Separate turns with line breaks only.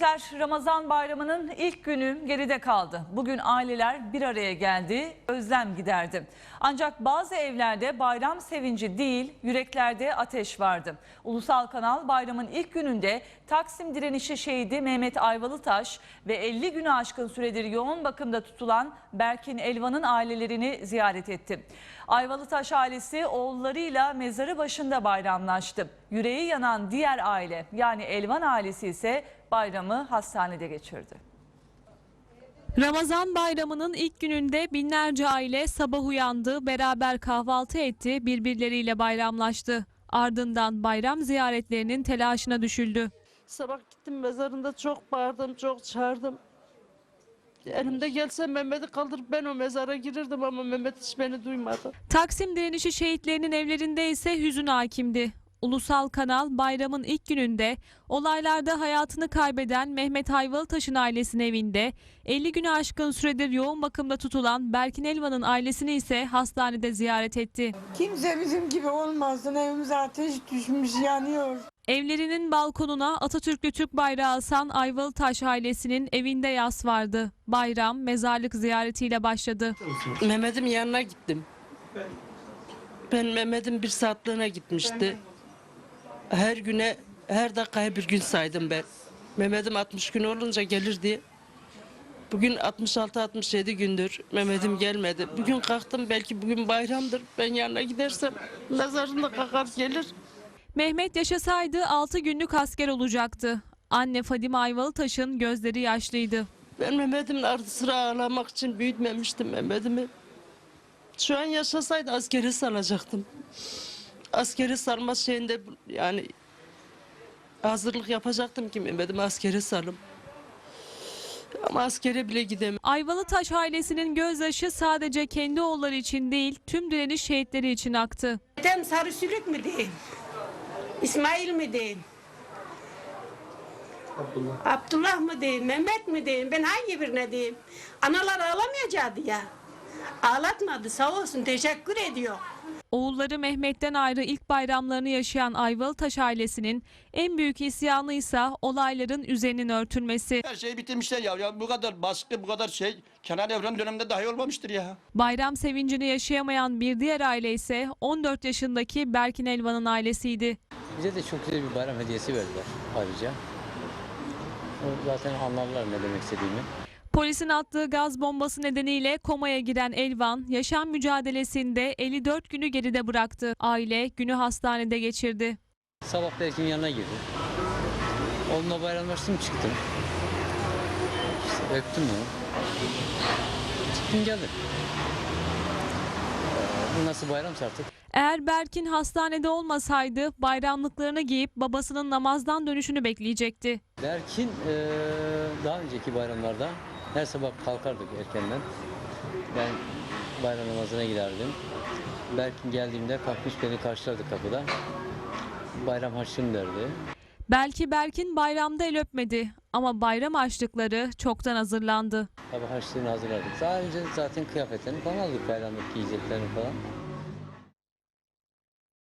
Gençler, Ramazan bayramının ilk günü geride kaldı. Bugün aileler bir araya geldi, özlem giderdi. Ancak bazı evlerde bayram sevinci değil, yüreklerde ateş vardı. Ulusal Kanal bayramın ilk gününde Taksim direnişi şehidi Mehmet Ayvalıtaş ve 50 günü aşkın süredir yoğun bakımda tutulan Berkin Elvan'ın ailelerini ziyaret etti. Ayvalıtaş ailesi oğullarıyla mezarı başında bayramlaştı. Yüreği yanan diğer aile, yani Elvan ailesi ise bayramı hastanede geçirdi.
Ramazan bayramının ilk gününde binlerce aile sabah uyandı, beraber kahvaltı etti, birbirleriyle bayramlaştı. Ardından bayram ziyaretlerinin telaşına düşüldü.
Sabah gittim mezarında, çok bağırdım, çok çağırdım. Elimde gelse Mehmet'i kaldırıp ben o mezara girirdim ama Mehmet hiç beni duymadı.
Taksim direnişi şehitlerinin evlerinde ise hüzün hakimdi. Ulusal Kanal bayramın ilk gününde olaylarda hayatını kaybeden Mehmet Ayvalıtaş'ın ailesinin evinde, 50 günü aşkın süredir yoğun bakımda tutulan Berkin Elvan'ın ailesini ise hastanede ziyaret etti.
Kimse bizim gibi olmasın, evimize ateş düşmüş, yanıyor.
Evlerinin balkonuna Atatürk'lü Türk bayrağı asan Ayvalıtaş ailesinin evinde yas vardı. Bayram mezarlık ziyaretiyle başladı.
Mehmet'in yanına gittim. Ben Mehmet'in bir saatliğine gitmişti. Her güne, her dakikaya bir gün saydım ben. Mehmet'im 60 gün olunca gelir diye. Bugün 66-67 gündür Mehmet'im gelmedi. Bugün kalktım, belki bugün bayramdır. Ben yanına gidersem mezarında kalkar gelir.
Mehmet yaşasaydı 6 günlük asker olacaktı. Anne Fadime Ayvalıtaş'ın gözleri yaşlıydı.
Ben Mehmet'imin ardı sıra ağlamak için büyütmemiştim Mehmet'imi. Şu an yaşasaydı askeri salacaktım. Askeri sarma şeyinde yani hazırlık yapacaktım ki Mehmet'imi askeri sarım. Ama askere bile gidemem.
Ayvalıtaş ailesinin gözyaşı sadece kendi oğulları için değil, tüm direniş şehitleri için aktı.
Neden Sarı Sülük mü değil? İsmail mi değil? Abdullah mı değil? Mehmet mi değil? Ben hangi birine diyeyim? Analar ağlamayacaktı ya. Ağlatmadı, sağ olsun, teşekkür ediyor.
Oğulları Mehmet'ten ayrı ilk bayramlarını yaşayan Ayvalıtaş ailesinin en büyük isyanı ise olayların üzerinin örtülmesi.
Her şeyi bitirmişler ya. Ya bu kadar baskı, bu kadar şey Kenan Evren döneminde dahi olmamıştır ya.
Bayram sevincini yaşayamayan bir diğer aile ise 14 yaşındaki Berkin Elvan'ın ailesiydi.
Bize de çok güzel bir bayram hediyesi verdiler ayrıca. O zaten anlarlar ne demek istediğimi.
Polisin attığı gaz bombası nedeniyle komaya giren Elvan, yaşam mücadelesinde 54 günü geride bıraktı. Aile günü hastanede geçirdi.
Sabah Berk'in yanına girdim. Onunla bayramlaştım, çıktım. İşte öptüm onu. Çıktım geldim. Bu nasıl bayramsa artık.
Eğer Berkin hastanede olmasaydı bayramlıklarını giyip babasının namazdan dönüşünü bekleyecekti.
Berk'in daha önceki bayramlarda her sabah kalkardık erkenden. Ben bayram namazına giderdim. Berkin geldiğimde kalkmış beni karşılardı kapıda. Bayram harçlığını derdi.
Belki Berkin bayramda el öpmedi ama bayram harçlıkları çoktan hazırlandı.
Tabii harçlığını hazırladık. Daha önce zaten kıyafetlerini falan aldık, bayramlık giyeceklerini falan.